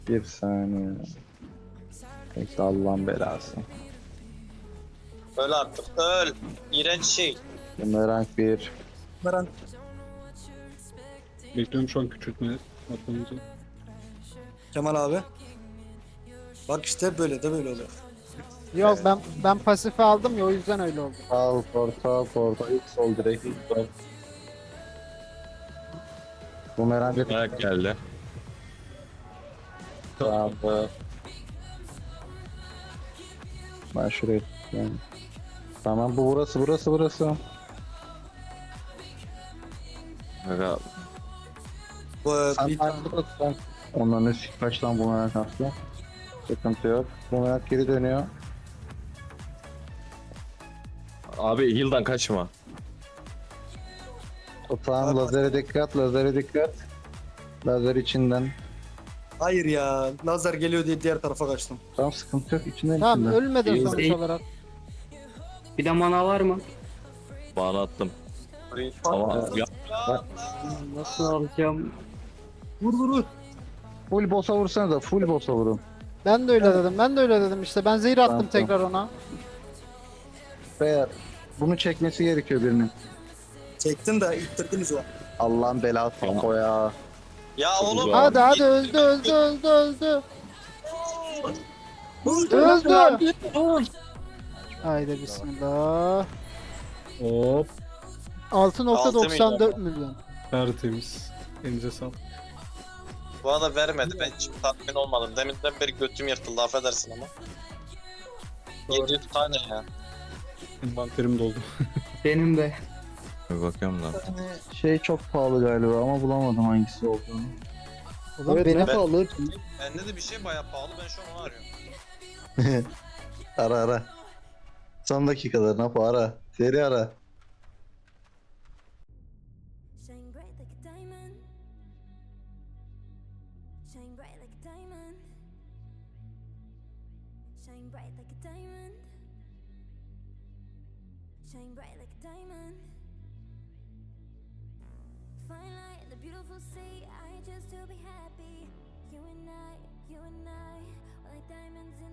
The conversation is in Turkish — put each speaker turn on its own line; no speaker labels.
Bir saniye. Bekle Allah'ın belası.
Öl artık öl. İğrenç şey.
Bumerang 1.
Meran.
Bekliyorum şu an küçültme atmamızı.
Kemal abi. Bak işte böyle de böyle oluyor.
Yok ben pasifi aldım ya o yüzden öyle oldu.
Al porta. İlk sol direkt ilk sol. Bumerang
Ayak geldi.
Tamam. Ben şuraya tutayım. Tamam bu burası.
Aga,
Bu
Sen
bir
farklı sen. Onların üstü kaç lan Bumerang attı. Sıkıntı yok. Bumerang geri dönüyor.
abi heal'dan kaçma.
Tamam lazere dikkat. Lazer içinden.
hayır ya. Lazer geliyor diye diğer tarafa kaçtım.
Tamam sıkıntı yok içinden
Tamam
içinden.
ölmedin
İyi.
sonuç olarak.
Bir de mana var mı?
Bana attım. Ama ya,
Nasıl alacağım?
Vur.
Full boss'a vursana da full boss'a vurun.
Ben de öyle dedim işte. Ben zehir attım
Tamam.
tekrar ona.
Veya bunu çekmesi gerekiyor birinin.
Çektin de ittirdiniz o.
Allah'ın belası
Tamam.
o ya.
Ya
Çok
oğlum.
güzel.
Hadi öldü. Öldü. Haydi bismillah.
Hop.
6.94 milyon.
Tertemiz. Elinize sağlık.
Bu arada vermedi. Ben hiç tatmin olmadım. Deminden beri götüm yırtıldı affedersin ama. 700 tane ya.
Envanterim doldu.
Benim de.
bir bakıyorum da.
Şey çok pahalı galiba ama bulamadım hangisi olduğunu.
Ulan
Evet,
benim
ne pahalı?
Bende de bir şey bayağı pahalı. Ben şu an onu arıyorum.
Ara. Son dakikalar ne yapar ara. Seri ara.
Shine bright like a diamond. Shine bright like a diamond. Shine bright like a diamond. Shine bright like a diamond. Fine light in the beautiful sea. I just to be happy. You and I, we're like diamonds in